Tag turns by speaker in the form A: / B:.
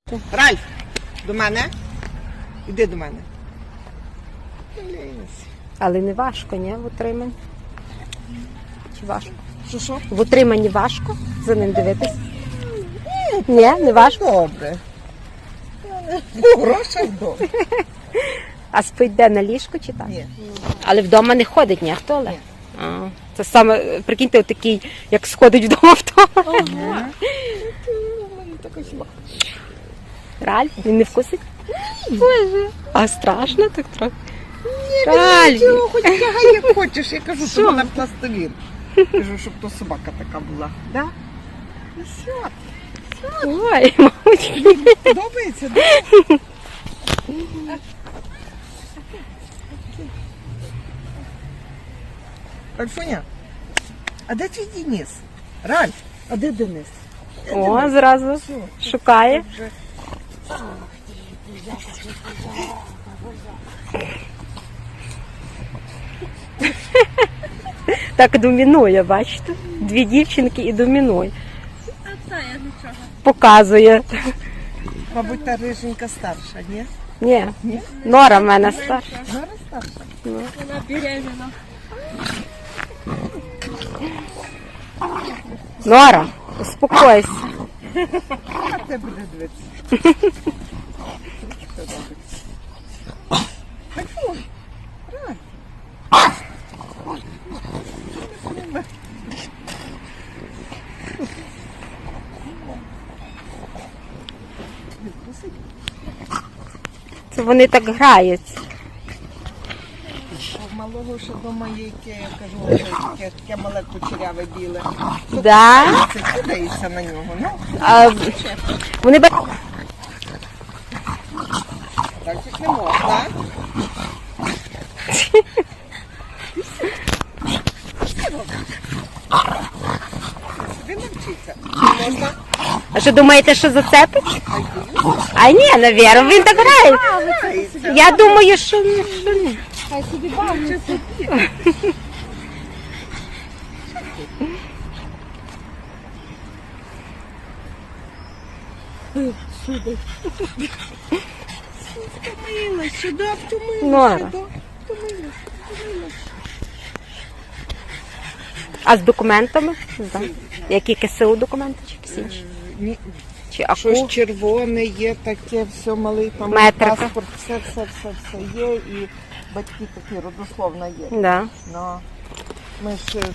A: Ральф, до мене? Іди до мене.
B: Але не важко, ні, в утриманні? Чи важко?
A: Що?
B: В утриманні важко за ним дивитись? Ні, не важко.
A: Добре. Грошей добре.
B: А спить де, на ліжку чи так?
A: Ні.
B: Але вдома не ходить ніхто, але? А, це саме, прикиньте, отакий, як сходить вдома в того. Ральф, він не вкусить? Боже. А страшно так трохи? Ральф.
A: Нічого, хоч тягай як хочеш. Я кажу, що вона пластилін. Кажу, щоб то собака така була. Да? І все.
B: Ой, мамочки.
A: Подобається, да? Ральфуня, а де твій Денис? Ральф, а де Денис?
B: О, зразу шукає.
A: Вже.
B: Так домінує, бачите? Дві дівчинки і домінує. Показує.
A: Мабуть, та риженька старша, ні?
B: Ні, Нора в мене старша.
A: Зараз старша.
C: Вона беременна.
B: Нора, успокойся.
A: А те буде дивитися. Ральфуй, Ральф.
B: Це вони так граються.
A: У малого ще вдома є, яке, я кажу, таке мале кучеряве біле.
B: Да?
A: Це кидається на нього, ну.
B: А, вони б...
A: Так як не можна. Він навчиться. Не можна.
B: А що думаєте, що зацепить? А ні, навірно, він так грає. Я думаю, що ні.
C: Хай собі бавиться.
A: Втомилась, сюди втомилась,
B: Нора.
A: сюди втомилась.
B: А з документами? Да. Які КСУ документи чи якісь інші?
A: Ні,
B: Чи
A: щось
B: АКУ?
A: червоне є, таке, все малий, там
B: Метрика.
A: паспорт, все є, і батьки такі, родословна є.
B: Да.
A: Ну, ми ж